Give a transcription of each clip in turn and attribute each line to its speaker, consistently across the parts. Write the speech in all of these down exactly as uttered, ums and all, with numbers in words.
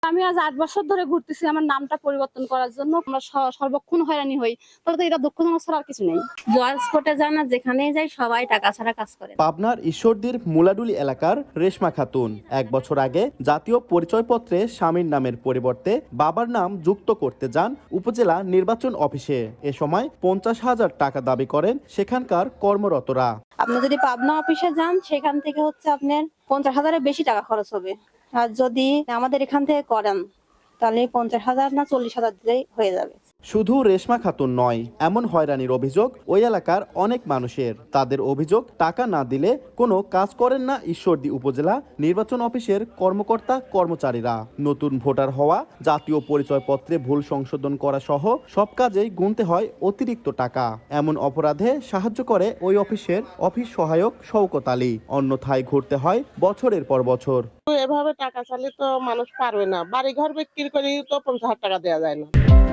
Speaker 1: আমি আজ আট বছর ধরে ঘুরতেছি আমার নামটা পরিবর্তন করার জন্য। আমরা সর্বক্ষণ হয়রানি হই। তাহলে তো এটা দুঃখজনক ছাড়া আর কিছু নেই।
Speaker 2: জয়েন্স কোর্টে যান না, যেখানেই যাই সবাই টাকা ছাড়া কাজ করে।
Speaker 3: পাবনার ঈশ্বরদীর মুলাডুলি এলাকার রেশমা খাতুন এক বছর আগে জাতীয় পরিচয়পত্রে স্বামীর নামের পরিবর্তে বাবার নাম যুক্ত করতে যান উপজেলা নির্বাচন অফিসে। এ সময় পঞ্চাশ হাজার টাকা দাবি করেন সেখানকার কর্মরতরা।
Speaker 2: আপনি যদি পাবনা অফিসে যান, সেখান থেকে হচ্ছে আপনার পঞ্চাশ হাজারের বেশি টাকা খরচ হবে। আর যদি আমাদের এখান থেকে করেন তাহলে পঞ্চাশ হাজার না চল্লিশ হাজার দিলেই হয়ে যাবে।
Speaker 3: শুধু রেশমা খাতুন নয়, এমন হয়রানির অভিযোগ ওই এলাকার অনেক মানুষের। তাদের অভিযোগ, টাকা না দিলে কোনো কাজ করেন না ঈশ্বরদী উপজেলা নির্বাচন অফিসের কর্মকর্তা কর্মচারীরা। নতুন ভোটার হওয়া, জাতীয় পরিচয়পত্রে ভুল সংশোধন করা সহ সব কাজেই গুনতে হয় অতিরিক্ত টাকা। এমন অপরাধে সাহায্য করে ওই অফিসের অফিস সহায়ক শওকত আলী। অন্যথায় ঘুরতে হয় বছরের পর বছর।
Speaker 4: এভাবে টাকা চাইলে তো মানুষ পারবে না। বাড়ি ঘর বিক্রি করে তো পঞ্চাশ হাজার টাকা দেওয়া যায় না।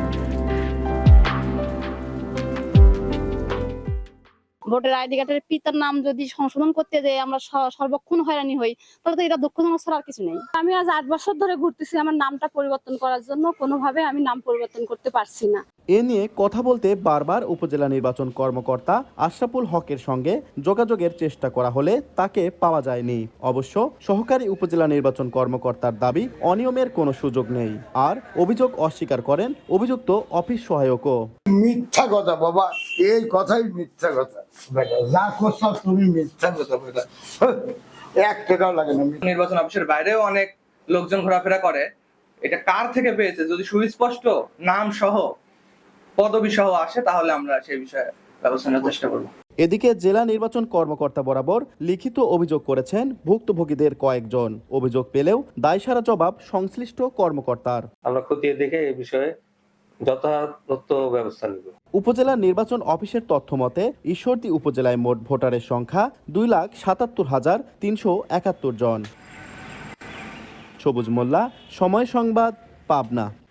Speaker 1: ভোটার আইডি কার্ডের পিতার নাম যদি সংশোধন করতে যাই আমরা সর্বক্ষণ হয়রানি হই। তাহলে তো এটা দুঃখজনক ছাড়া আর কিছু নেই। আমি আজ আট বছর ধরে ঘুরতেছি আমার নামটা পরিবর্তন করার জন্য। কোনোভাবে আমি নাম পরিবর্তন করতে পারছি না।
Speaker 3: এ নিয়ে কথা বলতে বারবার উপজেলা নির্বাচন কর্মকর্তা আশরাফুল হকের সঙ্গে যোগাযোগের চেষ্টা করা হলে তাকে পাওয়া যায়নি। অবশ্য সহকারী উপজেলা নির্বাচন কর্মকর্তার দাবি, অনিয়মের কোনো সুযোগ নেই। আর অভিযোগ অস্বীকার করেন অভিযুক্ত অফিস সহায়কও।
Speaker 5: মিথ্যা কথা বাবা, এই কথাই মিথ্যা কথা। যা করছো তুমি মিথ্যা কথা বেটা, এক টাকাও লাগে না।
Speaker 6: নির্বাচন অফিসের বাইরেও অনেক লোকজন ঘোরাফেরা করে। এটা কার থেকে পেয়েছে যদি সুস্পষ্ট নাম সহ পদবি সহ আসে তাহলে আমরা সেই বিষয়ে ব্যবস্থা নেওয়ার চেষ্টা করব।
Speaker 3: এদিকে জেলা নির্বাচন কর্মকর্তা বরাবর লিখিত অভিযোগ করেছেন ভুক্তভোগীদের কয়েকজন। অভিযোগ পেলেও দায়সারা জবাব সংশ্লিষ্ট কর্মকর্তার।
Speaker 7: আমরা খতিয়ে দেখে এই বিষয়ে যথাযথ ব্যবস্থা নেব।
Speaker 3: উপজেলা নির্বাচন অফিসের তথ্য মতে ঈশ্বরদী উপজেলায় মোট ভোটারের সংখ্যা দুই লাখ সাতাত্তর হাজার তিনশো একাত্তর জন। সবুজ মোল্লা, সময় সংবাদ, পাবনা।